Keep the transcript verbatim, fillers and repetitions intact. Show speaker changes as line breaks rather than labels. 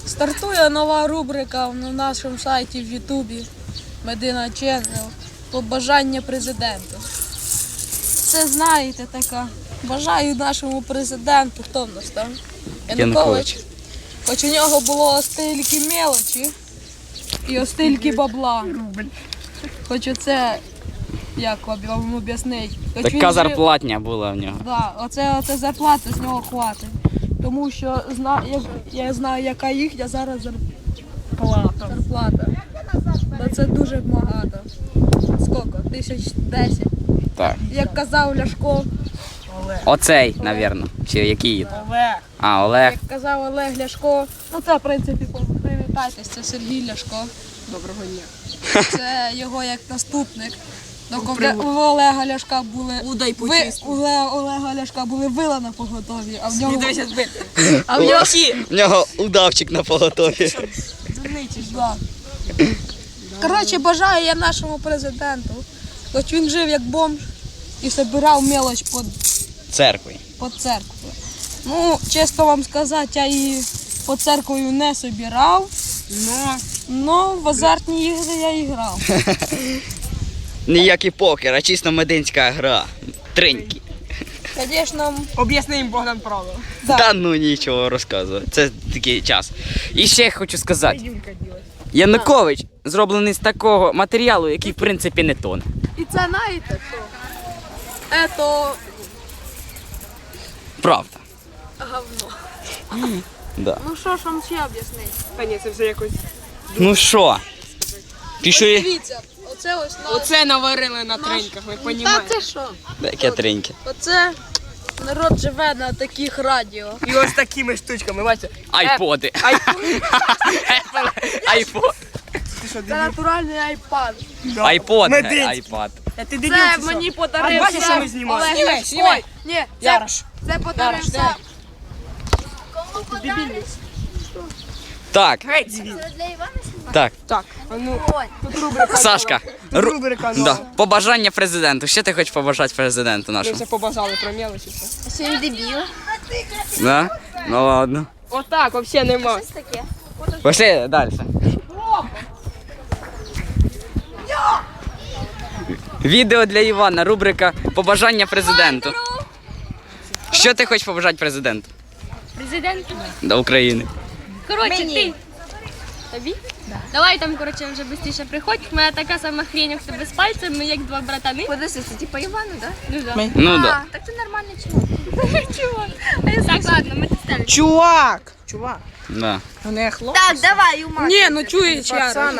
Стартує нова рубрика на нашому сайті в Ютубі Медина Channel «Побажання президенту». Це, знаєте, така, бажаю нашому президенту, хто в нас там? Янукович. Хоч у нього було стільки мелочі і стільки бабла. Хоч оце, як вам об'яснити.
Така зарплатня була в нього.
Так, да, оце, оце зарплата з нього хватить. Тому що зна, я, я знаю, яка їхня зараз зарплата. зарплата. Та це дуже багато. Скільки? Тисяч десять.
Так.
Як казав Ляшко.
Оцей, напевно. Чи який?
Олег.
А, Олег.
Як казав Олег Ляшко. Ну це, в принципі, привітайтесь, це Сергій Ляшко.
Доброго дня.
Це його як наступник. Доки у Олега Ляшка були
Удай
ви, у Олега Ляшка були вила на поготові, а в нього
А в нього
В нього удавчик на поготові.
да. Коротше, бажаю я нашому президенту, хоч він жив як бомж і збирав мелоч під,
Церкви.
під церквою. Ну, чесно вам сказати, я її під церквою не збирав, але в азартні ігри я і грав.
Ніякий покер, а чисто мединська гра. Триньки.
Звісно,
Об'ясни їм, Богдан, правило.
да.
Та ну нічого розказувати. Це такий час. І ще хочу сказати. Янукович зроблений з такого матеріалу, який в принципі не тоне.
І це знаєте що? Ето
Правда.
говно.
Да.
Ну що ж вам ще об'яснити?
Та ні, це вже якось...
Ну що? Пішли.
Дивіться, оце ось на...
Оце наварили на треньках, ви
Та
розумієте?
це що?
Таке триньки.
Оце народ живе на таких радіо.
І ось такими штучками, бачите?
Айподи. Айпод.
Ти що,
Це
дебіл?
натуральний айпад.
Айпод, не
Мединський.
айпад.
Та ти дебіл,
Це
чи що?
мені
А
подарив
бачиш, що
сам
ми знімаємо?
Олег
Знімай,
Ляшко.
знімай.
Ні, це,
Ярош.
це подарив
Ярош,
сам.
Так,
Геть звідси.
Для Івана знімати?
так.
Так, а ну, тут рубрика.
Сашка.
Тут
ру-
рубрика
Да.
нова.
Побажання президенту. Що ти хочеш побажати президенту
Ми
нашому?
вже побажали про мелочі. все.
Що він дебіл?
Да? Ну ладно.
Отак, взагалі нема.
Щось таке.
Пошли далі. Відео для Івана, рубрика Побажання президенту. Що ти хочеш побажати президенту?
Президенту.
До України.
Коротше, ти. Тобі? Давай там, коротше, вже швидше приходь. У мене така сама хрень, як в тебе з пальцем, ми як два братани.
Подожди, це типа Івану, да?
Ну, да.
Ну
А,
да.
так ти нормальний чоловік.
Чого? А я так, ладно, ми це
Чувак! Чувак.
Да.
Ну не хлоп.
Так, давай, Юмак.
Ні, ну чуєш, Ярош.